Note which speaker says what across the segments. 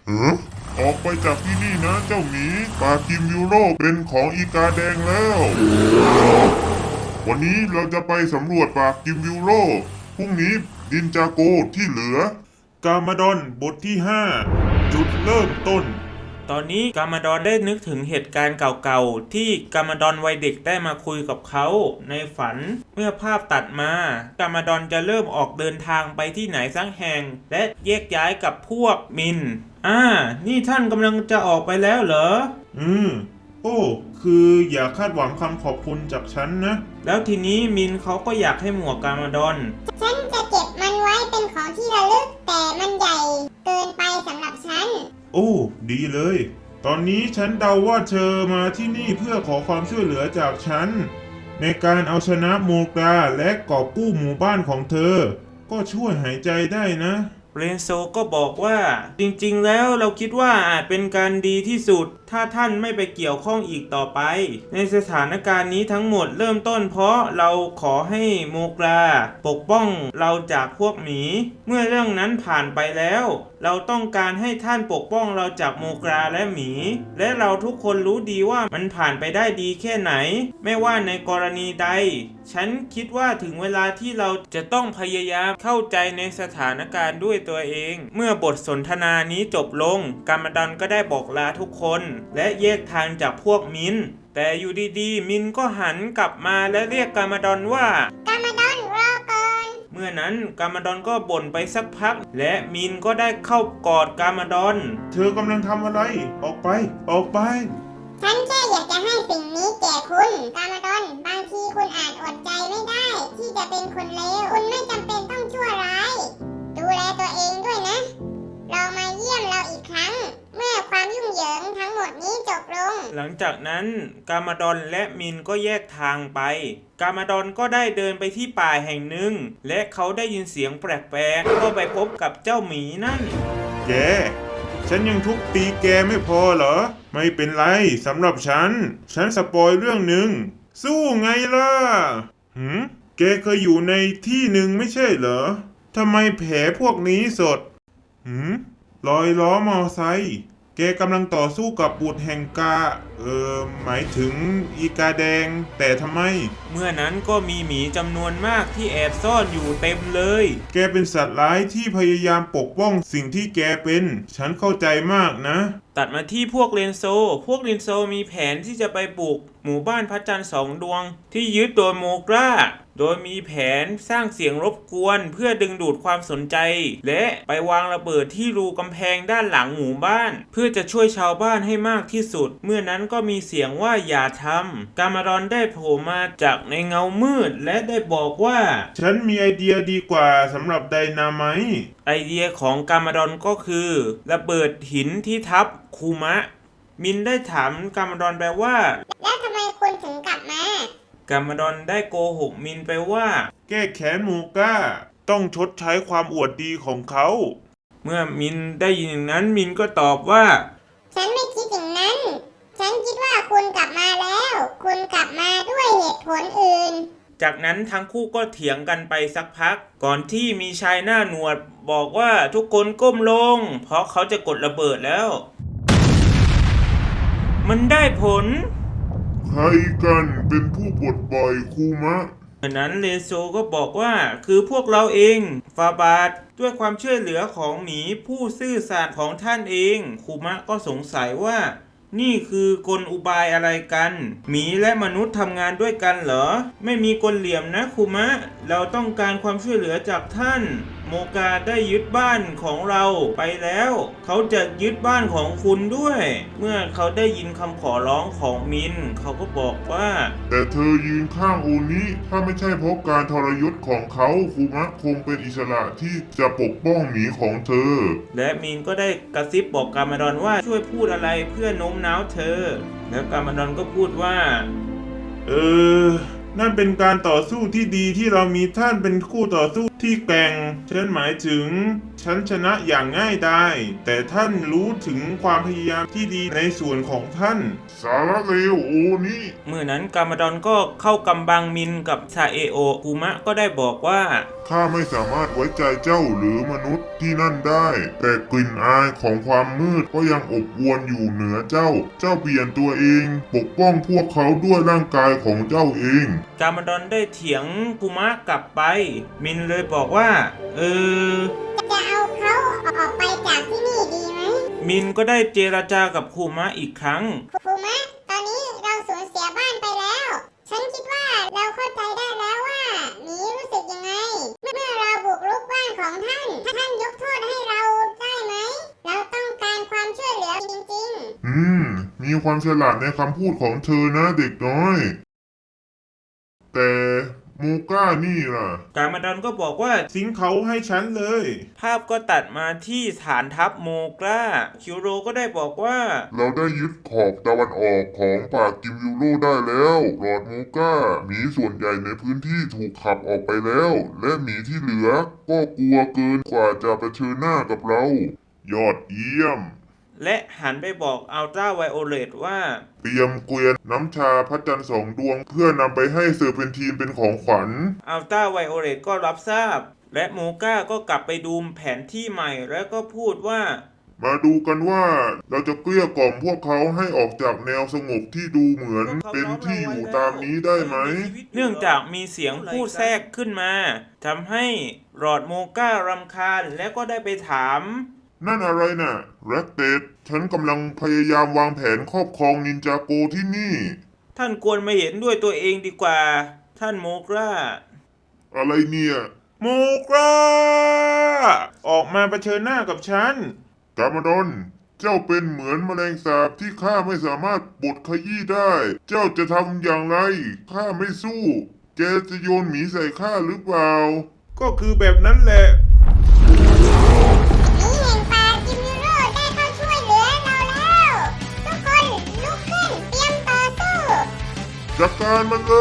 Speaker 1: เออออกไปจากที่นี่นะเจ้าหมีปากิมยูโรเป็นของอีกาแดงแล้ววันนี้เราจะไปสำรวจปากกิมยูโรพรุ่งนี้ดินจาโกที่เหลือกามาดอนบทที่5จุดเริ่มต้น
Speaker 2: ตอนนี้กามาดอนได้นึกถึงเหตุการณ์เก่าๆที่กามาดอนวัยเด็กได้มาคุยกับเขาในฝันเมื่อภาพตัดมากามาดอนจะเริ่มออกเดินทางไปที่ไหนสักแห่งและแยกย้ายกับพวกมินนี่ท่านกำลังจะออกไปแล้วเหรอ
Speaker 1: โอ้คืออย่าคาดหวังคำขอบคุณจากฉันนะ
Speaker 2: แล้วทีนี้มินเขาก็อยากให้หมวกกามาดอน
Speaker 3: ฉันจะเก็บมันไว้เป็นของที่ระลึกแต่มันใหญ่เกินไปสำหรับฉัน
Speaker 1: โอ้ดีเลยตอนนี้ฉันเดาว่าเธอมาที่นี่เพื่อขอความช่วยเหลือจากฉันในการเอาชนะโมกราและกอบกู้หมู่บ้านของเธอก็ช่วยหายใจได้นะ
Speaker 2: เรนโซก็บอกว่าจริงๆแล้วเราคิดว่าอาจเป็นการดีที่สุดถ้าท่านไม่ไปเกี่ยวข้องอีกต่อไปในสถานการณ์นี้ทั้งหมดเริ่มต้นเพราะเราขอให้โมกราปกป้องเราจากพวกหมีเมื่อเรื่องนั้นผ่านไปแล้วเราต้องการให้ท่านปกป้องเราจากโมกราและหมีและเราทุกคนรู้ดีว่ามันผ่านไปได้ดีแค่ไหนไม่ว่าในกรณีใดฉันคิดว่าถึงเวลาที่เราจะต้องพยายามเข้าใจในสถานการณ์ด้วยตัวเองเมื่อบทสนทนานี้จบลงกามาดอนก็ได้บอกลาทุกคนและแยกทางจากพวกมินแต่อยู่ดีๆมินก็หันกลับมาและเรียกกามาดอนว่าก
Speaker 3: ามาดอนรอก่อน
Speaker 2: เมื่อนั้นกามาดอนก็บ่นไปสักพักและมินก็ได้เข้ากอดกามาดอน
Speaker 1: เธอกำลังทำอะไรออกไป
Speaker 3: ฉันแค่อยากจะให้สิ่งนี้แก่คุณกามาดอนบางทีคุณอาจอดใจไม่ได้ที่จะเป็นคนเลวคุณไม่จำเป็นต้องชั่วร้ายดูแลตัวเองด้วยนะลองมาเยี่ยมเราอีกครั้งเมื่อความยุ่งเหยิงทั้งหมดนี้จบลง
Speaker 2: หลังจากนั้นกามาดอนและมินก็แยกทางไปกามาดอนก็ได้เดินไปที่ป่าแห่งหนึ่งและเขาได้ยินเสียงแปลกๆก็ไปพบกับเจ้าหมีนั่น
Speaker 1: แกฉันยังทุบตีแกไม่พอเหรอไม่เป็นไรสำหรับฉันสปอยเรื่องหนึ่งสู้ไงล่ะแกเคยอยู่ในที่หนึ่งไม่ใช่เหรอทำไมแผลพวกนี้สดรอยล้อมอไซค์แกกำลังต่อสู้กับบุตรแห่งกาหมายถึงอีกาแดงแต่ทำไม
Speaker 2: เมื่อนั้นก็มีหมีจำนวนมากที่แอบซ่อนอยู่เต็มเลย
Speaker 1: แกเป็นสัตว์ร้ายที่พยายามปกป้องสิ่งที่แกเป็นฉันเข้าใจมากนะ
Speaker 2: ตัดมาที่พวกเรนโซมีแผนที่จะไปบุกหมู่บ้านพระจันทร์2 ดวงที่ยึดโดยโมกราโดยมีแผนสร้างเสียงรบกวนเพื่อดึงดูดความสนใจและไปวางระเบิดที่รูกำแพงด้านหลังหมู่บ้านเพื่อจะช่วยชาวบ้านให้มากที่สุดเมื่อนั้นก็มีเสียงว่าอย่าทำกามาดอนได้โผล่มาจากในเงามืดและได้บอกว่า
Speaker 1: ฉันมีไอเดียดีกว่าสำหรับไดนาไมต์
Speaker 2: ไอเดียของกามาดอนก็คือระเบิดหินที่ทับคูมะมินได้ถามกามาดอนไปว่า
Speaker 3: แล้วทำไมคุณถึงกลับม
Speaker 2: ากามาดอนได้โกหกมินไปว่า
Speaker 1: แก้แค้นโมก้าต้องชดใช้ความอวดดีของเขา
Speaker 2: เมื่อมินได้ยินอย่างนั้นมินก็ตอบว่า
Speaker 3: ฉันไม่คิดอย่างนั้นฉันคิดว่าคุณกลับมาแล้วคุณกลับมาด้วยเหตุผลอื่น
Speaker 2: จากนั้นทั้งคู่ก็เถียงกันไปสักพักก่อนที่มีชายหน้าหนวดบอกว่าทุกคนก้มลงเพราะเขาจะกดระเบิดแล้วมันได้ผล
Speaker 1: ใครกันเป็นผู้ปลดปล่อยคูมะ
Speaker 2: ดังนั้นเรโซก็บอกว่าคือพวกเราเองฟาบาทด้วยความช่วยเหลือของหมีผู้ซื่อสัตย์ของท่านเองคูมะก็สงสัยว่านี่คือกลอุบายอะไรกันหมีและมนุษย์ทำงานด้วยกันเหรอไม่มีกลเหลี่ยมนะคูมะเราต้องการความช่วยเหลือจากท่านโมกาได้ยึดบ้านของเราไปแล้วเขาจะยึดบ้านของคุณด้วยเมื่อเขาได้ยินคำขอร้องของมินเขาก็บอกว่า
Speaker 1: แต่เธอยืนข้างโอนิถ้าไม่ใช่เพราะการทรยศของเขาคูมะคงเป็นอิสระที่จะปกป้องหมีของเธอ
Speaker 2: และมินก็ได้กระซิบบอกกามาดอนว่าช่วยพูดอะไรเพื่อโน้มน้าวเธอแล้วกามาดอนก็พูดว่า
Speaker 1: นั่นเป็นการต่อสู้ที่ดีที่เรามีท่านเป็นคู่ต่อสู้ที่แกร่งฉันหมายถึงฉันชนะอย่างง่ายดายแต่ท่านรู้ถึงความพยายามที่ดีในส่วนของท่านสารเลวโอนี่
Speaker 2: เมื่อนั้นกามาดอนก็เข้ากำบังมินกับซาเอโอกุมะก็ได้บอกว่า
Speaker 1: ข้าไม่สามารถไว้ใจเจ้าหรือมนุษย์
Speaker 4: ที่นั่นได้ แต่กลิ่นอายของความมืดก็ยังอบอวลอยู่เหนือเจ้า เจ้าเปลี่ยนตัวเอง ปกป้องพวกเขาด้วยร่างกายของเจ้าเอง
Speaker 2: กามาดอนได้เถียงคุมะกลับไป มินเลยบอกว่า
Speaker 3: จะเอาเขาออกไปจากที่นี่ดีไหม
Speaker 2: มินก็ได้เจรจากับคุมะอีกครั้ง
Speaker 3: ครูมะตอนนี้เราสูญเสียบ้านไปแล้ว ฉันคิดว่าเราเข้าใจได้แล้วว่าหมีรู้สึกยังไง เมื่อเราบุกรุกบ้านของท่าน ท่านยกโทษให้เราได้ไหม เราต้องการความช่วยเหลือจริงๆ
Speaker 4: มีความฉลาดในคำพูดของเธอนะเด็กน้อย แต่มูก้านี่ล่ะ
Speaker 2: กามาดอนก็บอกว่า
Speaker 1: สิงเขาให้ฉันเลย
Speaker 2: ภาพก็ตัดมาที่ฐานทัพโมกราคิวโรก็ได้บอกว่า
Speaker 4: เราได้ยึดขอบตะวันออกของป่ากิมยูโรได้แล้วหลอดมูก้าหมีส่วนใหญ่ในพื้นที่ถูกขับออกไปแล้ว และหมีที่เหลือก็กลัวเกินกว่าจะเผชิญหน้ากับเรา ยอดเยี่ยม
Speaker 2: และหันไปบอกอัลตราไวโอเลตว่า
Speaker 4: เตรียมเกวียนน้ำชาพระจันทร์สองดวงเพื่อนำไปให้เซอร์เพนทีนเป็นของขวัญ
Speaker 2: อัลตราไวโอเลตก็รับทราบ และโมก้าก็กลับไปดูแผนที่ใหม่แล้วก็พูดว่า
Speaker 4: มาดูกันว่าเราจะเกลี้ยกล่อมพวกเขาให้ออกจากแนวสงบที่ดูเหมือนเป็นที่อยู่ตามนี้ได้ไหม
Speaker 2: เนื่องจากมีเสียงพูดแทรกขึ้นมาทำให้หลอดโมก้ารำคาญและก็ได้ไปถาม
Speaker 4: นั่นอะไรน่ะแร็กเตดฉันกำลังพยายามวางแผนครอบครองนินจาโกที่นี่
Speaker 2: ท่านควรมาเห็นด้วยตัวเองดีกว่า ท่านโมกรา
Speaker 4: อะไรเนี่ย
Speaker 1: โมกราออกมาเผชิญหน้ากับฉัน
Speaker 4: กามาดอนเจ้าเป็นเหมือนแมลงสาบที่ข้าไม่สามารถบดขยี้ได้ เจ้าจะทำอย่างไรข้าไม่สู้แกจะโยนหมีใส่ข้าหรือเปล่า
Speaker 1: ก็คือแบบนั้นแหละ
Speaker 3: หมีแห่งป่ากิมยูโร่ได้เข้าช่วยเหลือเราแล้ว ทุกคนลุกขึ้นเตรียมต่อสู้
Speaker 4: จัดการมันเลย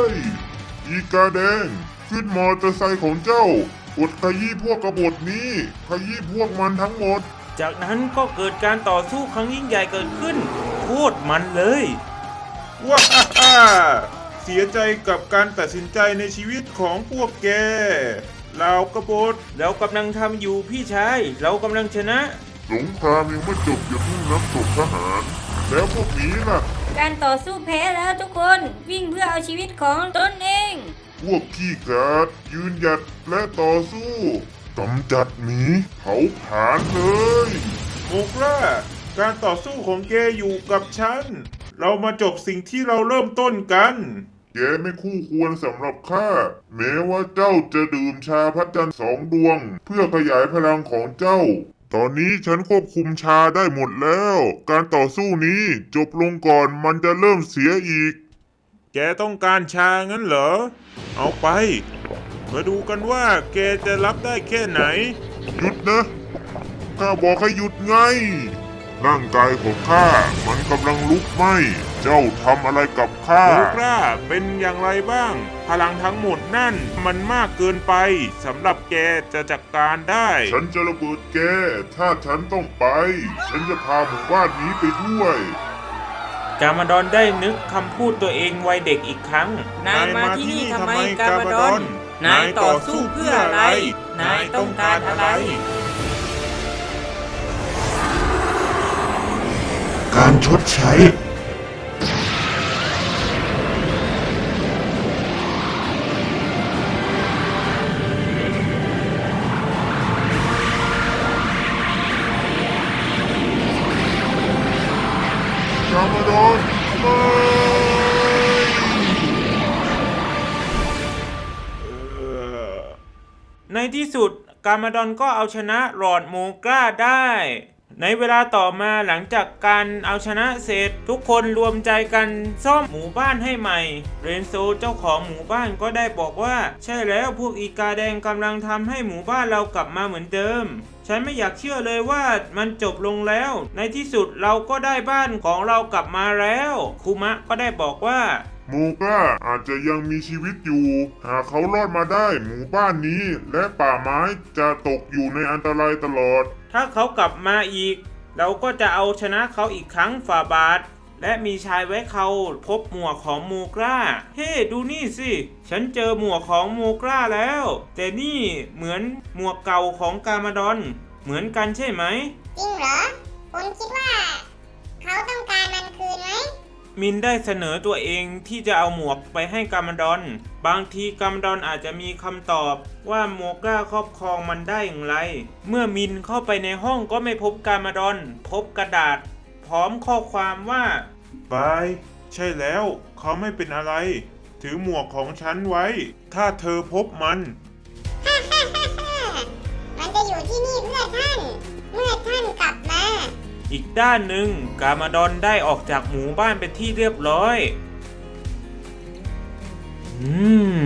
Speaker 4: อีกาแดงขึ้นมอเตอร์ไซค์ของเจ้าบดขยี้พวกกบฏนี้ขยี้พวกมันทั้งหมด
Speaker 2: จากนั้นก็เกิดการต่อสู้ครั้งยิ่งใหญ่เกิดขึ้นโคตรมันเลย
Speaker 1: ว้าเสียใจกับการตัดสินใจในชีวิตของพวกแกเรากบฏ
Speaker 2: เรากำลังทำอยู่พี่ชาย เรากำลังชนะ
Speaker 4: สงครามยังไม่จบอย่าเพิ่งนับศพทหาร แล้วพวกนี้ล่ะ
Speaker 5: การต่อสู้แพ้แล้วทุกคน วิ่งเพื่อเอาชีวิตของตนเอง
Speaker 4: พวกขี้กาดยืนหยัดและต่อสู้กำจัดหมีเผาผลาญเลย
Speaker 1: โมกราการต่อสู้ของแกอยู่กับฉัน เรามาจบสิ่งที่เราเริ่มต้นกัน
Speaker 4: แกไม่คู่ควรสำหรับข้าแม้ว่าเจ้าจะดื่มชาพระจันทร์สองดวง เพื่อขยายพลังของเจ้า ตอนนี้ฉันควบคุมชาได้หมดแล้ว การต่อสู้นี้จบลงก่อนมันจะเริ่มเสียอีก
Speaker 1: แกต้องการชางั้นเหรอ เอาไป มาดูกันว่าแกจะรับได้แค่ไหน
Speaker 4: หยุดนะข้าบอกให้หยุดไง ร่างกายของข้ามันกำลังลุกไหม้เจ้าทำอะไรกับข้า
Speaker 1: โมกราเป็นอย่างไรบ้าง พลังทั้งหมดนั่นมันมากเกินไปสำหรับแกจะจัดการได้
Speaker 4: ฉันจะระเบิดแก ถ้าฉันต้องไป ฉันจะพาหมู่บ้านนี้ไปด้วย
Speaker 2: กามาดอนได้นึกคำพูดตัวเองวัยเด็กอีกครั้ง
Speaker 5: นายมาที่นี่ทำไมกาบาดอน นายต่อสู้เพื่ออะไร นายต้องการอะไร
Speaker 4: การชดใช้ กามาดอนไม่
Speaker 2: ในที่สุดกามาดอนก็เอาชนะหลอดโมกราได้ ในเวลาต่อมาหลังจากการเอาชนะเสร็จทุกคนรวมใจกันซ่อมหมู่บ้านให้ใหม่ เรนโซเจ้าของหมู่บ้านก็ได้บอกว่าใช่แล้วพวกอีกาแดงกำลังทำให้หมู่บ้านเรากลับมาเหมือนเดิม ฉันไม่อยากเชื่อเลยว่ามันจบลงแล้ว ในที่สุดเราก็ได้บ้านของเรากลับมาแล้วคุมะก็ได้บอกว่า
Speaker 4: โมกาอาจจะยังมีชีวิตอยู่ หากเขารอดมาได้หมู่บ้านนี้ และป่าไม้จะตกอยู่ในอันตรายตลอด
Speaker 2: ถ้าเขากลับมาอีก เราก็จะเอาชนะเขาอีกครั้งฝ่าบาทและมีชายไว้เขาพบหมวกของมูกราเฮ้ดูนี่สิฉันเจอหมวกของมูกราแล้วแต่นี่เหมือนหมวกเก่าของกามาดอนเหมือนกันใช่ไหม
Speaker 3: จริงเหรอ คุณคิดว่า เขาต้องการมันคืนไหม
Speaker 2: มินได้เสนอตัวเองที่จะเอาหมวกไปให้กามาดอนบางทีกามาดอนอาจจะมีคำตอบว่ามูกราครอบครองมันได้อย่างไรเมื่อมินเข้าไปในห้องก็ไม่พบกามาดอนพบกระดาษพร้อมข้อความว่า
Speaker 1: บาย ใช่แล้ว เขาไม่เป็นอะไร ถือหมวกของฉันไว้ ถ้าเธอพบมัน
Speaker 3: ฮ่าฮ่าฮ่าฮ่ามันจะอยู่ที่นี่เพื่อท่าน เมื่อท่านกลับมา
Speaker 2: อีกด้านหนึ่งกามาดอนได้ออกจากหมู่บ้านเป็นที่เรียบร้อย